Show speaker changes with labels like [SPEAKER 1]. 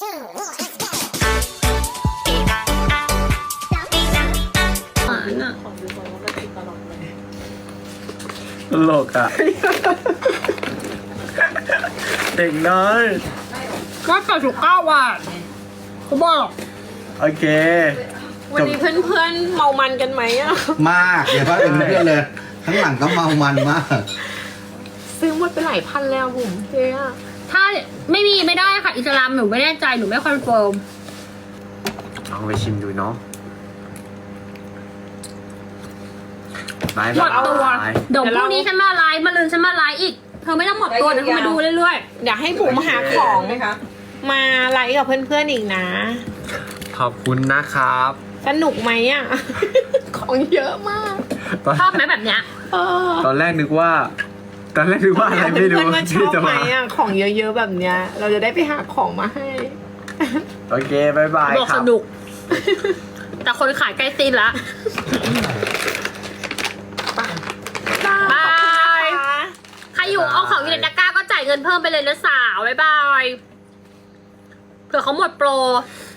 [SPEAKER 1] หวานอ่ะ
[SPEAKER 2] ตลกอ่ะ เด็กน้อย
[SPEAKER 1] ก็89 บาทเขาบอก
[SPEAKER 2] โอเค
[SPEAKER 1] วันนี้เพื่อนๆเมามันกันไหมอ่ะ
[SPEAKER 3] มากอย่าว่าเป็นเพื่อนเลยข้างหลังก็เมามันมาก
[SPEAKER 1] ซื้อหมดไปหลายพันแล้วผมเจ๊อะ
[SPEAKER 4] ถ้าไม่ได้ค่ะอิสลามหนูไม่แน่ใจหนูไม่คอนเฟิร์ม
[SPEAKER 2] ลองไปชิมดูเนาะบาย
[SPEAKER 4] หมดตัว
[SPEAKER 2] บาย
[SPEAKER 4] เดี๋ยวพรุ่งนี้ฉันมาไลฟ์มาลืนฉันมาไลฟ์อีกเธอไม่ต้องหมดตัวเดี๋ยวเธอมาดูเรื่อย
[SPEAKER 1] เดี๋ยวให้บุ๋มหาของมาไลฟ์กับเพื่อนๆอีกนะ
[SPEAKER 2] ขอบคุณนะครับ
[SPEAKER 1] สนุกไหมอ่ะ ของเยอะมาก
[SPEAKER 4] ๆชอบไหมแบบเนี้ย
[SPEAKER 1] เออ
[SPEAKER 2] ตอนแรกนึกว่าอะไรไม่รู้
[SPEAKER 1] เพื่อนๆว่าช
[SPEAKER 2] ที่
[SPEAKER 1] อบ
[SPEAKER 2] จะ
[SPEAKER 1] ไหม
[SPEAKER 2] มา
[SPEAKER 1] อ่ะของเยอะๆแบบเนี้ย เราจะได้ไปหาของมาให้
[SPEAKER 2] โอเคบายบาย
[SPEAKER 4] บอก
[SPEAKER 2] ครั
[SPEAKER 4] ส
[SPEAKER 2] บ
[SPEAKER 4] นุก แต่คนขายใกล้ตีนละ บาย ใครอยู่เอาของอยู่ในตะกร้าก็จ่ายเงินเพิ่มไปเลยนะสาว บ๊ายบาย เผื่อเขาหมดโปร